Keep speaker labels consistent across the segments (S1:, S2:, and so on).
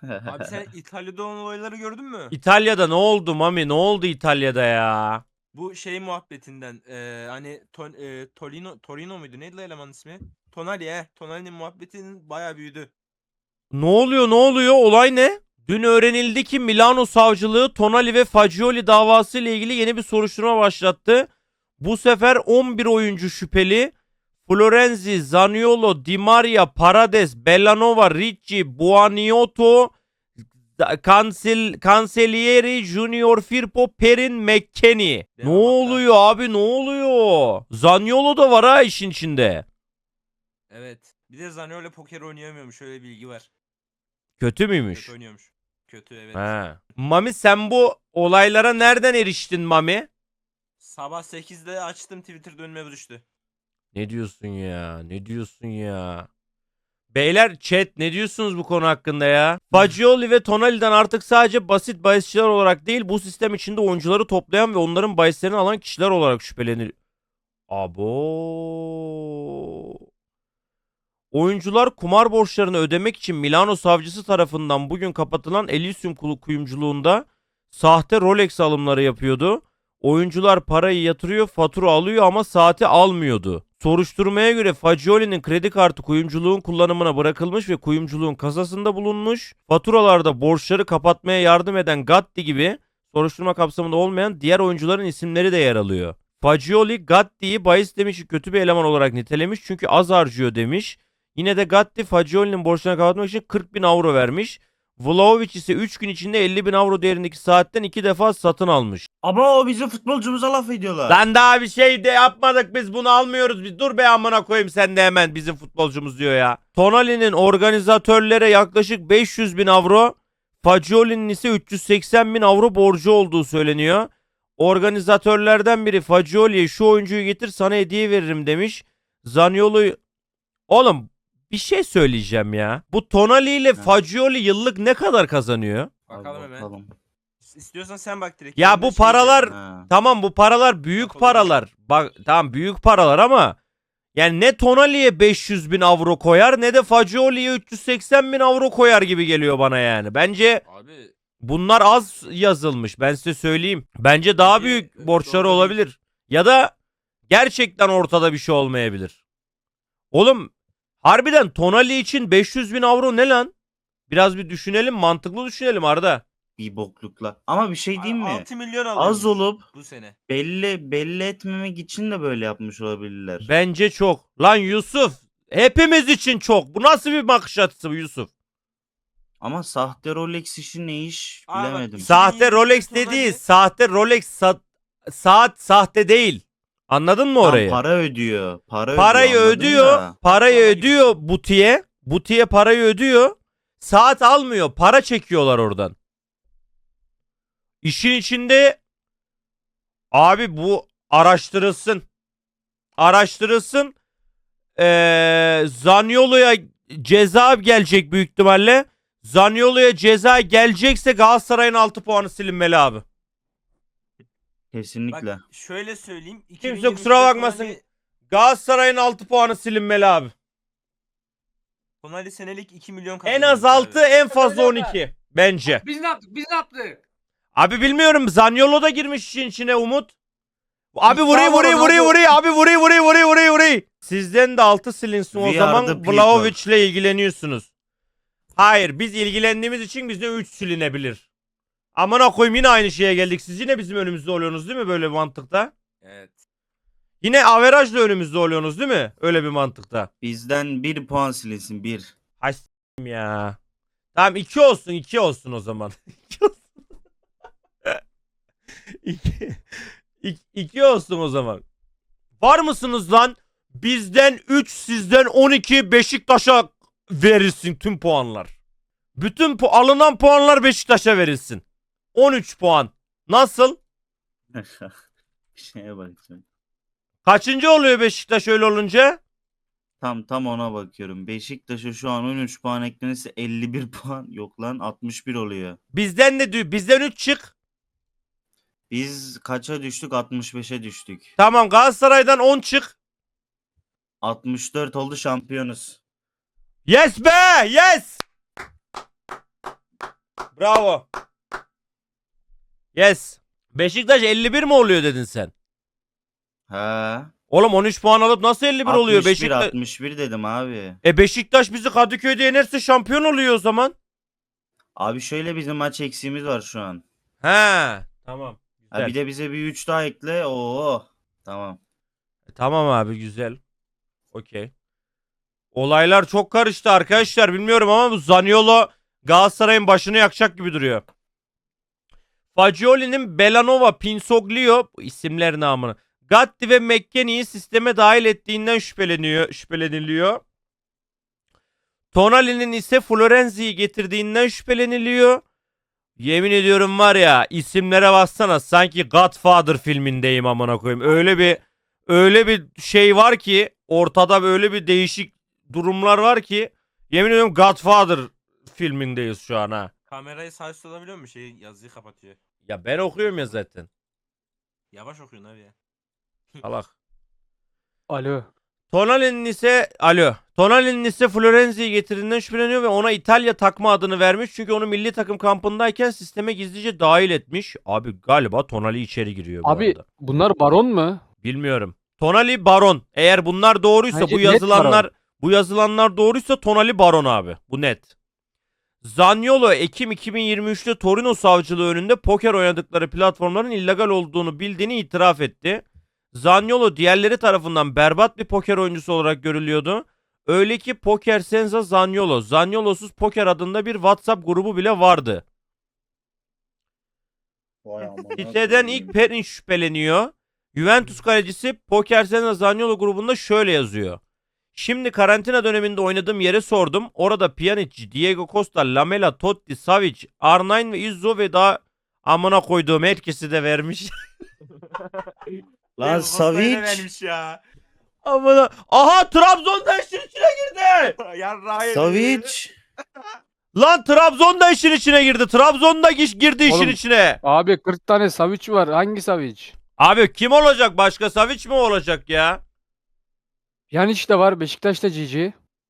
S1: Abi sen İtalya'da olan olayları gördün mü?
S2: İtalya'da ne oldu Mami? Ne oldu İtalya'da ya?
S1: Bu şey muhabbetinden hani Torino muydu? Neydi lan elemanın ismi? Tonali Tonali'nin muhabbetinin bayağı büyüdü.
S2: Ne oluyor? Ne oluyor? Olay ne? Dün öğrenildi ki Milano savcılığı Tonali ve Fagioli davası ile ilgili yeni bir soruşturma başlattı. Bu sefer 11 oyuncu şüpheli Florenzi, Zaniolo, Di Maria, Paredes, Bellanova, Ricci, Buonanotto, Cancellieri, Junior Firpo, Perin, McKennie. Ne
S1: Devam hatta.
S2: oluyor abi, ne oluyor? Zaniolo da var ha işin içinde.
S1: Evet. Bir de Zaniolo poker oynayamıyormuş. Öyle bilgi var.
S2: Kötü müymüş?
S1: Kötü oynuyormuş. Kötü evet.
S2: He. Mami sen bu olaylara nereden eriştin Mami?
S1: Sabah 8'de açtım, Twitter'da önüme düştü.
S2: Ne diyorsun ya? Ne diyorsun ya? Beyler chat ne diyorsunuz bu konu hakkında ya? Fagioli ve Tonali'den artık sadece basit bahisçiler olarak değil, bu sistem içinde oyuncuları toplayan ve onların bahislerini alan kişiler olarak şüphelenir. Abo. Oyuncular kumar borçlarını ödemek için Milano savcısı tarafından bugün kapatılan Elysium kuyumculuğunda sahte Rolex alımları yapıyordu. Oyuncular parayı yatırıyor, fatura alıyor ama saati almıyordu. Soruşturmaya göre Fagioli'nin kredi kartı kuyumculuğun kullanımına bırakılmış ve kuyumculuğun kasasında bulunmuş. Faturalarda borçları kapatmaya yardım eden Gatti gibi soruşturma kapsamında olmayan diğer oyuncuların isimleri de yer alıyor. Fagioli Gatti'yi bahis demişi kötü bir eleman olarak nitelemiş çünkü az harcıyor demiş. Yine de Gatti Fagioli'nin borçlarını kapatmak için 40 bin avro vermiş. Vlahovic ise 3 gün içinde 50 bin avro değerindeki saatten 2 defa satın almış.
S3: Ama o bizim futbolcumuza laf ediyorlar.
S2: Lan daha bir şey de yapmadık, biz bunu almıyoruz. Biz dur be amına koyayım, sen de hemen bizim futbolcumuz diyor ya. Tonali'nin organizatörlere yaklaşık 500 bin avro, Fagioli'nin ise 380 bin avro borcu olduğu söyleniyor. Organizatörlerden biri Fagioli'ye şu oyuncuyu getir sana hediye veririm demiş. Zaniolo... Oğlum bir şey söyleyeceğim ya. Bu Tonali ile Fagioli yıllık ne kadar kazanıyor?
S1: Bakalım hemen.
S3: Bakalım.
S1: İstiyorsan sen bak direkt.
S2: Ya
S1: Ben de
S2: bu
S1: şey
S2: paralar
S1: diyeceğim.
S3: Ha.
S2: tamam, bu paralar büyük
S1: Bak,
S2: paralar. Bak tamam, büyük paralar ama yani ne Tonali'ye 500 bin avro koyar ne de Fagioli'ye 380 bin avro koyar gibi geliyor bana yani. Bence
S1: Abi
S2: bunlar az yazılmış, ben size söyleyeyim. Bence daha
S1: Bence
S2: büyük
S1: doğru
S2: borçları
S1: değil.
S2: olabilir. Ya da gerçekten ortada bir şey olmayabilir. Oğlum harbiden Tonali için 500 bin avro ne lan? Biraz bir düşünelim, mantıklı düşünelim Arda.
S3: Bir boklukla. Ama bir şey diyeyim mi?
S1: 6 milyon alıyormuş
S3: Az olup
S1: bu sene.
S3: belli etmemek için de böyle yapmış olabilirler.
S2: Bence çok. Lan Yusuf, hepimiz için çok. Bu nasıl bir bakış açısı bu Yusuf?
S3: Ama sahte Rolex işi ne iş
S1: Aa, bak,
S3: bilemedim.
S2: Sahte
S1: 2022'de
S2: Rolex
S1: Tonali-
S2: dediği sahte Rolex saat sahte değil. Anladın mı
S3: Tam
S2: orayı?
S3: para ödüyor.
S2: Parayı
S3: anladım
S2: ödüyor.
S3: da.
S2: Parayı
S1: Patlama gibi.
S2: ödüyor butiğe. Butiğe parayı ödüyor. Saat almıyor. Para çekiyorlar oradan. İşin içinde abi bu araştırılsın. Araştırılsın. Zaniolo'ya ceza gelecek büyük ihtimalle. Zaniolo'ya ceza gelecekse Galatasaray'ın 6 puanı silinmeli abi.
S3: Kesinlikle.
S1: Bak şöyle söyleyeyim.
S2: Kimse kusura
S1: 2022'de
S2: bakmasın. Galatasaray'ın 6 puanı silinmeli abi.
S1: Tonali senelik 2 milyon
S2: En
S1: kazanıyor.
S2: az 6, en fazla
S4: Öyle mi?
S2: 12 bence.
S4: Biz ne yaptık? Biz ne yaptık?
S2: Abi bilmiyorum, Zaniolo da girmiş işin içine Umut. Abi
S4: İddia
S2: vuruyor
S4: var
S2: vuruyor
S4: ona,
S2: vuruyor
S4: hadi.
S2: vuruyor abi vuruyor. Sizden de 6 silinsin o
S3: We
S2: zaman,
S3: are the people.
S2: Vlahovic'le ilgileniyorsunuz. Hayır, biz ilgilendiğimiz için bizde 3 silinebilir. Amına koyayım, yine aynı şeye geldik. Siz yine bizim önümüzde oluyorsunuz değil mi böyle bir mantıkta?
S1: Evet.
S2: Yine averajla önümüzde oluyorsunuz değil mi? Öyle bir mantıkta.
S3: Bizden 1 puan silinsin 1.
S2: Hay s**eyim ya. Tamam 2 olsun o zaman. 2 olsun. 2 olsun o zaman. Var mısınız lan? Bizden 3, sizden 12, Beşiktaş'a verilsin tüm puanlar. Bütün alınan puanlar Beşiktaş'a verilsin. 13 puan. Nasıl?
S3: Bir şeye bakacağım.
S2: Kaçıncı oluyor Beşiktaş öyle olunca?
S3: Tam ona bakıyorum. Beşiktaş'a şu an 13 puan eklenirse 51 puan. Yok lan 61 oluyor.
S2: Bizden 3 çık.
S3: Biz kaça düştük? 65'e düştük.
S2: Tamam, Galatasaray'dan 10 çık.
S3: 64 oldu, şampiyonuz.
S2: Yes be! Yes! Bravo. Yes. Beşiktaş 51 mi oluyor dedin sen?
S3: He.
S2: Oğlum 13 puan alıp nasıl 51 oluyor
S3: 61
S2: Beşiktaş?
S3: 61 dedim abi.
S2: Beşiktaş bizi Kadıköy'de yenerse şampiyon oluyor o zaman.
S3: Abi şöyle bizim maç eksiğimiz var şu an.
S2: He. Tamam.
S3: Ha,
S2: Güzel.
S3: bir de bize bir 3 daha ekle. Oo. Tamam.
S2: Tamam abi güzel. Okey. Olaylar çok karıştı arkadaşlar. Bilmiyorum ama bu Zaniolo Galatasaray'ın başını yakacak gibi duruyor. Fagioli'nin Belanova, Pinsoglio bu isimler namını. Gatti ve McKennie'yi sisteme dahil ettiğinden şüpheleniliyor. Tonali'nin ise Florenzi'yi getirdiğinden şüpheleniliyor. Yemin ediyorum var ya isimlere bassana sanki Godfather filmindeyim amına koyayım. Öyle bir şey var ki ortada böyle bir değişik durumlar var ki yemin ediyorum Godfather filmindeyiz şu an ha.
S1: Kamerayı sağ üstte alabiliyor musun? Yazıyı kapatıyor.
S2: Ya ben okuyorum ya zaten.
S1: Yavaş okuyorsun abi ya.
S2: Salak.
S4: Alo.
S2: Tonali'nin ise Florenzi'yi getirdiğinden şüpheleniyor ve ona İtalya takma adını vermiş. Çünkü onu milli takım kampındayken sisteme gizlice dahil etmiş. Abi galiba Tonali içeri giriyor bu
S4: Abi
S2: arada.
S4: bunlar baron mu?
S2: Bilmiyorum. Tonali Baron. Eğer bunlar doğruysa
S4: Bence
S2: bu
S4: net
S2: yazılanlar doğruysa Tonali Baron abi. Bu net. Zaniolo Ekim 2023'te Torino savcılığı önünde poker oynadıkları platformların illegal olduğunu bildiğini itiraf etti. Zaniolo diğerleri tarafından berbat bir poker oyuncusu olarak görülüyordu. Öyle ki Poker Senza Zaniolo, Zaniolosuz Poker adında bir WhatsApp grubu bile vardı. Siteden ilk Perin şüpheleniyor. Juventus kalecisi Poker Senza Zaniolo grubunda şöyle yazıyor. Şimdi karantina döneminde oynadığım yere sordum. Orada Pjanic, Diego Costa, Lamela, Totti, Savic, R9 ve Izzo ve daha amına koyduğum herkesi de vermiş.
S3: Lan Savic.
S1: vermiş ya.
S2: Amına. Aha Trabzon da işin içine girdi.
S1: Yarrağı
S3: Savic.
S2: Lan Trabzon da işin içine girdi. Trabzon da girdi işin
S4: Oğlum.
S2: içine.
S4: Abi 40 tane Savic var. Hangi Savic?
S2: Abi kim olacak? Başka Savic mi olacak ya?
S4: Pjanic de var. Beşiktaş'ta GG.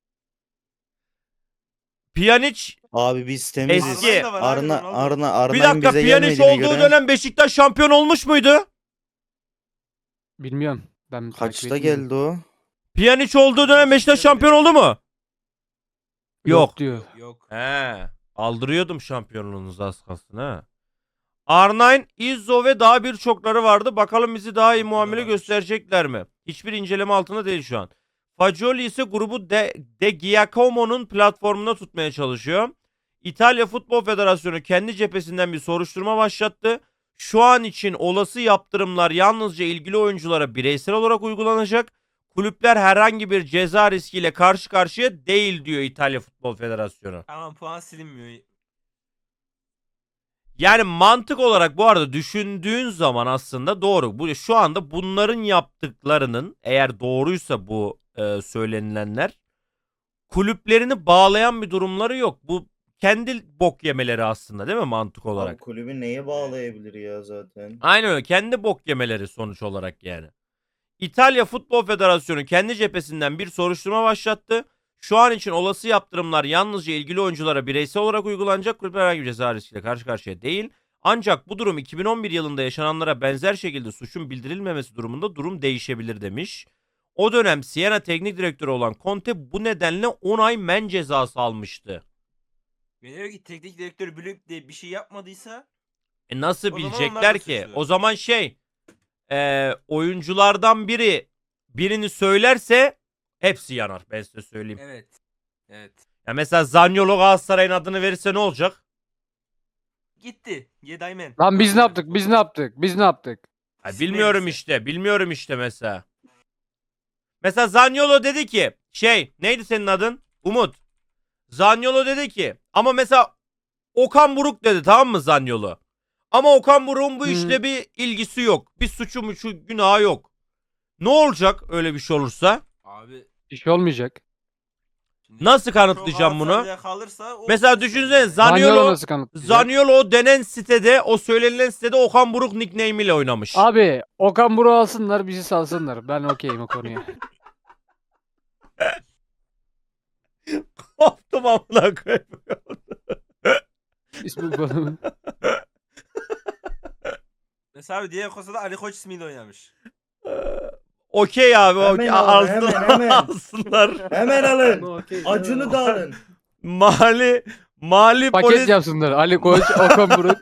S2: Pjanic
S3: Abi biz temiziz.
S2: Eski.
S3: Arna
S2: bir dakika
S3: bize
S2: Pjanic
S3: gelmediğine
S2: olduğu
S3: göre
S2: dönem Beşiktaş şampiyon olmuş muydu?
S4: Bilmiyorum. Ben takip
S3: kaçta
S4: etmiyorum.
S3: geldi o?
S2: Pjanic olduğu dönem Beşiktaş şampiyon oldu mu? Yok.
S4: diyor.
S1: Yok.
S2: He. Aldırıyordum şampiyonluğunuzu az kalsın ha. R9, Izzo ve daha birçokları vardı. Bakalım bizi daha iyi muamele
S1: varmış.
S2: gösterecekler mi? Hiçbir inceleme altında değil şu an. Fagioli ise grubu De Giacomo'nun platformunda tutmaya çalışıyor. İtalya Futbol Federasyonu kendi cephesinden bir soruşturma başlattı. Şu an için olası yaptırımlar yalnızca ilgili oyunculara bireysel olarak uygulanacak. Kulüpler herhangi bir ceza riskiyle karşı karşıya değil diyor İtalya Futbol Federasyonu.
S1: Tamam puan silinmiyor.
S2: Yani mantık olarak bu arada düşündüğün zaman aslında doğru. Bu şu anda bunların yaptıklarının eğer doğruysa bu söylenilenler kulüplerini bağlayan bir durumları yok. Bu kendi bok yemeleri aslında değil mi mantık olarak?
S3: Abi kulübü neye bağlayabilir ya zaten?
S2: Aynen öyle. Kendi bok yemeleri sonuç olarak yani. İtalya Futbol Federasyonu kendi cephesinden bir soruşturma başlattı. Şu an için olası yaptırımlar yalnızca ilgili oyunculara bireysel olarak uygulanacak. Kulüpler herhangi bir ceza riskiyle karşı karşıya değil. Ancak bu durum 2011 yılında yaşananlara benzer şekilde suçun bildirilmemesi durumunda durum değişebilir demiş. O dönem Siena teknik direktörü olan Conte bu nedenle 10 ay men cezası almıştı.
S1: Ve diyor ki teknik direktör bilip de bir şey yapmadıysa
S2: Nasıl
S1: O zaman onlar
S2: bilecekler
S1: da
S2: ki?
S1: suçlu.
S2: O zaman oyunculardan birini söylerse hepsi yanar. Ben size söyleyeyim.
S1: evet. Evet.
S2: Ya mesela Zaniolo Galatasaray'ın adını verirse ne olacak?
S1: Gitti. Yedaymen.
S4: Lan biz ne yaptık? Biz ne yaptık? Biz ne yaptık?
S2: Ya
S1: İsim
S2: bilmiyorum
S1: verirse.
S2: işte. Bilmiyorum işte mesela. Mesela Zaniolo dedi ki neydi senin adın? Umut. Zaniolo dedi ki ama mesela Okan Buruk dedi tamam mı Zaniolo? Ama Okan Buruk'un bu
S4: Hı.
S2: işle bir ilgisi yok. Bir suçu mu şu günahı yok. Ne olacak öyle bir şey olursa?
S1: Abi.
S4: Bir şey olmayacak.
S1: Şimdi
S2: Nasıl kanıtlayacağım bunu?
S1: Galatasaray'a Kalırsa o
S2: Mesela
S1: suçlu
S2: düşünsene
S1: olur.
S2: Zaniolo
S4: nasıl kanıtlayacak?
S2: Zaniolo o denen sitede, o söylenilen sitede Okan Buruk nickname ile oynamış.
S4: Abi Okan Buruk'u alsınlar bizi salsınlar. Ben okeyim o konuya.
S2: Koptum amına koyayım.
S4: Facebook balonu.
S1: Mesela abi Diego Costa da Ali Koç ismiyle oynamış.
S2: Okey abi
S5: Hemen
S2: okey.
S5: alın,
S2: Alsınlar.
S5: hemen.
S2: Alsınlar.
S5: Hemen alın.
S6: Okey.
S5: Acunu da alın.
S2: Mali
S4: Paket
S2: polis
S4: yapsınlar. Ali Koç, Okan Buruk.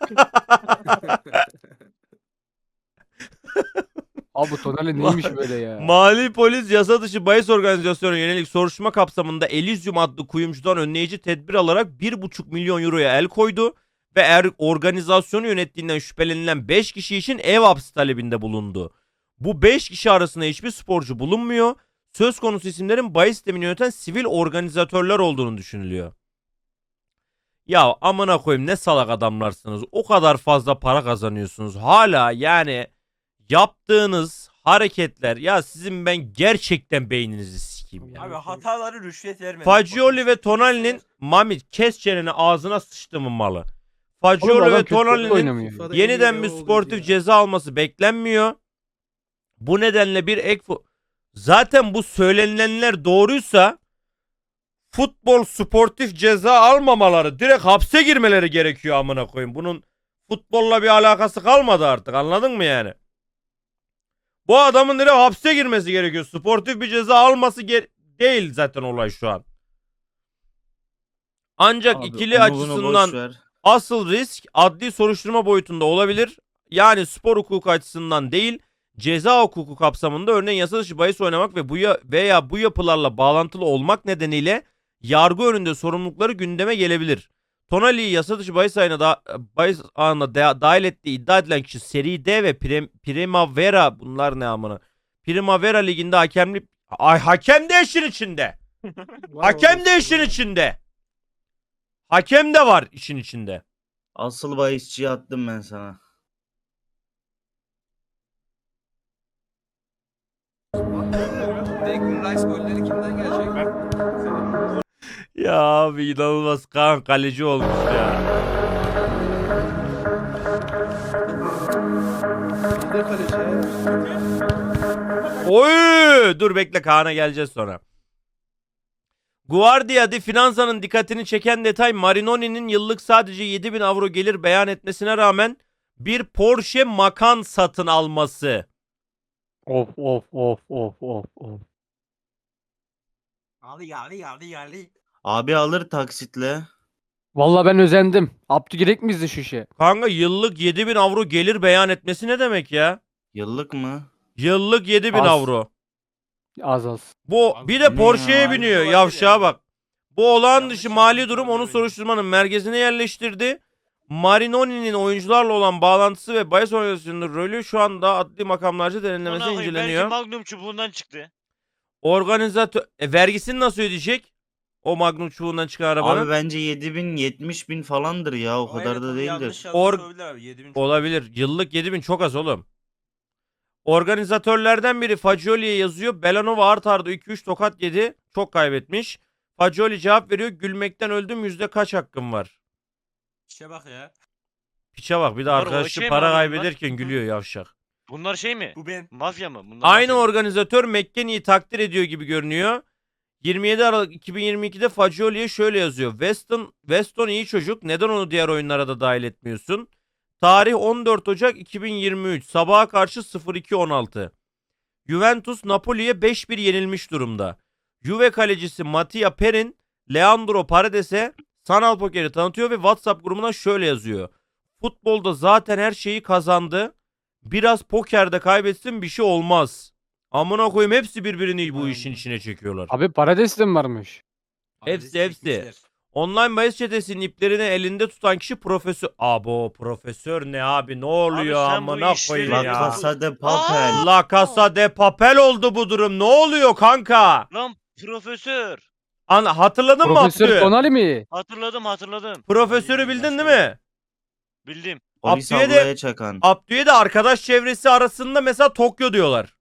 S4: Abi bu Tonali neymiş böyle ya?
S2: Mali polis yasa dışı bahis organizasyonuna yönelik soruşturma kapsamında Elysium adlı kuyumcudan önleyici tedbir alarak 1,5 milyon euroya el koydu ve organizasyonu yönettiğinden şüphelenilen 5 kişi için ev hapsi talebinde bulundu. Bu 5 kişi arasında hiçbir sporcu bulunmuyor. Söz konusu isimlerin bahis sistemini yöneten sivil organizatörler olduğunu düşünülüyor. Ya amına koyayım ne salak adamlarsınız. O kadar fazla para kazanıyorsunuz. Hala yani yaptığınız hareketler ya sizin ben gerçekten beyninizi sikeyim ya.
S1: Abi hataları rüşvet vermedi.
S2: Fagioli ve Tonali'nin Mami kes çeneni ağzına sıçtımın malı.
S4: Oğlum
S2: Fagioli
S4: adam
S2: ve
S4: kötü
S2: Tonali'nin
S4: oynamıyor.
S6: FIFA'da
S2: yeniden
S6: iyi
S2: bir
S6: oldu
S2: sportif
S6: ya.
S2: ceza alması beklenmiyor. Bu nedenle bir ek zaten bu söylenilenler doğruysa futbol sportif ceza almamaları, direkt hapse girmeleri gerekiyor amına koyayım. Bunun futbolla bir alakası kalmadı artık. Anladın mı yani? Bu adamın direkt hapse girmesi gerekiyor. Sportif bir ceza alması değil zaten olay şu an. Ancak
S3: Abi,
S2: ikili
S3: onu bunu
S2: açısından
S3: boş ver.
S2: asıl risk adli soruşturma boyutunda olabilir. Yani spor hukuku açısından değil, ceza hukuku kapsamında örneğin yasa dışı bahis oynamak ve veya bu yapılarla bağlantılı olmak nedeniyle yargı önünde sorumlulukları gündeme gelebilir. Tonali'yi yasa dışı bahis ağına dahil ettiği iddia edilen kişi Seri D ve Primavera, bunlar ne amına? Primavera liginde hakem de işin içinde. Hakem de işin içinde. Hakem de var işin içinde.
S3: Asıl bahisçiyi attım ben sana.
S6: Declan Rice golleri kimden gelecek?
S2: Ya abi inanılmaz Kaan kaleci olmuş ya.
S6: Bir de kaleci.
S2: Oy! Dur bekle Kaan'a geleceğiz sonra. Guardia di Finanza'nın dikkatini çeken detay Marinoni'nin yıllık sadece 7.000 avro gelir beyan etmesine rağmen bir Porsche Macan satın alması.
S4: Of of of of of of.
S1: Ali.
S3: Abi alır taksitle.
S4: Vallahi ben özendim. Abdülgerek mi izdi şu şey?
S2: Kanka yıllık 7.000 avro gelir beyan etmesi ne demek ya?
S3: Yıllık mı?
S2: Yıllık 7.000
S4: Az.
S2: avro.
S4: Az az.
S2: Bu
S1: Abi
S2: bir de
S3: ne
S2: Porsche'ye
S3: ya?
S2: biniyor
S1: Olabilir
S2: yavşağa
S1: yani.
S2: bak. Bu olağan
S1: Yanlış
S2: dışı mali
S1: yapmış
S2: durum
S1: olabilir
S2: onu
S1: bence.
S2: soruşturmanın merkezine yerleştirdi. Marinoni'nin oyuncularla olan bağlantısı ve bahis organizasyonunun rolü şu anda adli makamlarca derinlemesi
S7: Belki
S2: inceleniyor.
S7: Magnum çubuğundan çıktı.
S2: Organizatör vergisini nasıl ödeyecek? O Magnum çubuğundan çıkan arabanın.
S3: Abi bence 7.000 70.000 falandır ya, o kadar da değildir.
S2: Olabilir. Yıllık 7.000 çok az oğlum. Organizatörlerden biri Fagioli'ye yazıyor. Belanova art arda 2-3 tokat yedi. Çok kaybetmiş. Fagioli cevap veriyor. Gülmekten öldüm, yüzde kaç hakkım var?
S1: İşe bak ya.
S2: Piçe bak, bir de
S7: Bunlar o
S2: arkadaşı
S7: şey mi
S2: para
S7: abi bunlar?
S2: kaybederken gülüyor yavşak.
S7: Bunlar şey mi?
S1: Bu ben.
S7: Mafya mı? Bunlar
S2: Aynı
S7: mafya mı?
S2: organizatör McKennie'yi takdir ediyor gibi görünüyor. 27 Aralık 2022'de Fagioli'ye şöyle yazıyor. Weston iyi çocuk. Neden onu diğer oyunlara da dahil etmiyorsun? Tarih 14 Ocak 2023. Sabaha karşı 0-2-16. Juventus Napoli'ye 5-1 yenilmiş durumda. Juve kalecisi Mattia Perin, Leandro Paredes'e sanal pokeri tanıtıyor ve WhatsApp grubuna şöyle yazıyor. Futbolda zaten her şeyi kazandı. Biraz pokerde kaybetsin bir şey olmaz. Amına koyayım, hepsi birbirini bu işin içine çekiyorlar.
S4: Abi Paradis de mi varmış?
S2: Hepsi. Online bahis çetesinin iplerini elinde tutan kişi profesör. Abo profesör ne abi, ne oluyor
S7: Abi sen bu
S2: amına
S7: işleri-
S2: koyayım
S3: La
S2: ya.
S3: Casa de Papel.
S2: La Casa de Papel oldu bu durum. Ne oluyor kanka?
S7: Lan profesör.
S2: Hatırladın mı
S4: Profesör
S2: Abdü?
S4: Tonali mi?
S7: Hatırladım.
S2: Profesörü bildin değil mi?
S7: Bildim.
S3: Polis
S2: Abdü'ye de-
S3: ablaya çakan.
S2: Abdü'ye de arkadaş çevresi arasında mesela Tokyo diyorlar.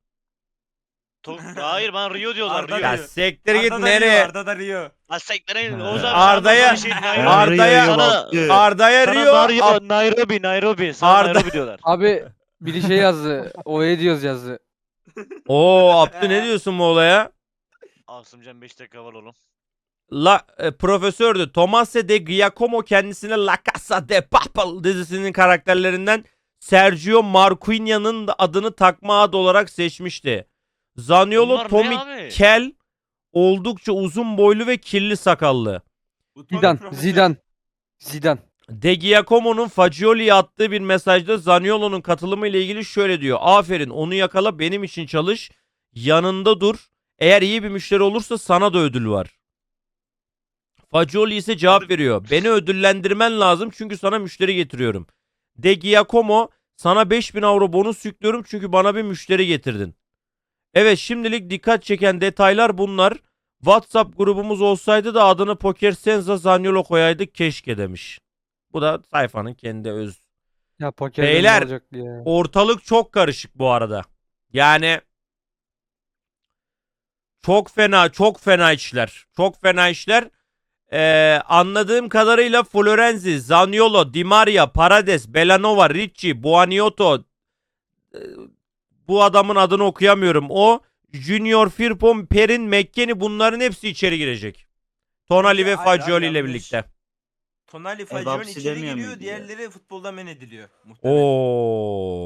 S7: Hayır bana Rio diyorlar.
S1: Arda
S7: Rio.
S2: Ya
S1: diyor.
S2: siktir git nereye?
S1: Arda da Rio.
S7: Ha sektere
S4: Ha.
S7: Oğuz abi
S2: Arda'ya-
S7: sana
S2: Arda'ya- Arda'ya Rio,
S7: Nairobi. Sana
S2: Arda-
S7: Nairobi diyorlar.
S4: Abi biri şey yazdı. Oye diyoruz yazdı.
S2: Oo Abdü ne diyorsun bu olaya?
S7: Asımcan 5 dakika var oğlum.
S2: profesördü. Tommaso de Giacomo kendisine La Casa de Papel dizisinin karakterlerinden Sergio Marquinhos'un adını takma ad olarak seçmişti. Zaniolo
S7: Bunlar ne
S2: Tommy
S7: abi?
S2: Kel oldukça uzun boylu ve kirli sakallı.
S1: Bu Tony
S4: Zidane,
S1: profesör.
S4: Zidane. Zidane.
S2: De Giacomo'nun Fagioli'ye attığı bir mesajda Zaniolo'nun katılımı ile ilgili şöyle diyor. Aferin, onu yakala, benim için çalış, yanında dur. Eğer iyi bir müşteri olursa sana da ödül var. Fagioli ise cevap veriyor. Beni ödüllendirmen lazım çünkü sana müşteri getiriyorum. De Giacomo, sana 5.000 euro bonus yüklüyorum çünkü bana bir müşteri getirdin. Evet, şimdilik dikkat çeken detaylar bunlar. WhatsApp grubumuz olsaydı da adını Poker Senza Zaniolo koyaydık keşke demiş. Bu da sayfanın kendi öz.
S4: Ya poker
S2: Beyler,
S4: olacak ya.
S2: Ortalık çok karışık bu arada. Yani çok fena işler. Çok fena işler. Anladığım kadarıyla Florenzi, Zaniolo, Di Maria, Paredes, Belanova, Ricci, Buonanotte, bu adamın adını okuyamıyorum. O, Junior Firpo, Perin, McKennie, bunların hepsi içeri girecek. Tonali ve
S1: Hayır,
S2: Fagioli ile
S1: yanlış.
S2: birlikte.
S1: Tonali Fagioli
S3: hapsi
S1: içeri
S3: demiyor
S1: giriyor,
S3: muydu ya?
S1: diğerleri futboldan men ediliyor. Muhtemelen.
S2: Oo.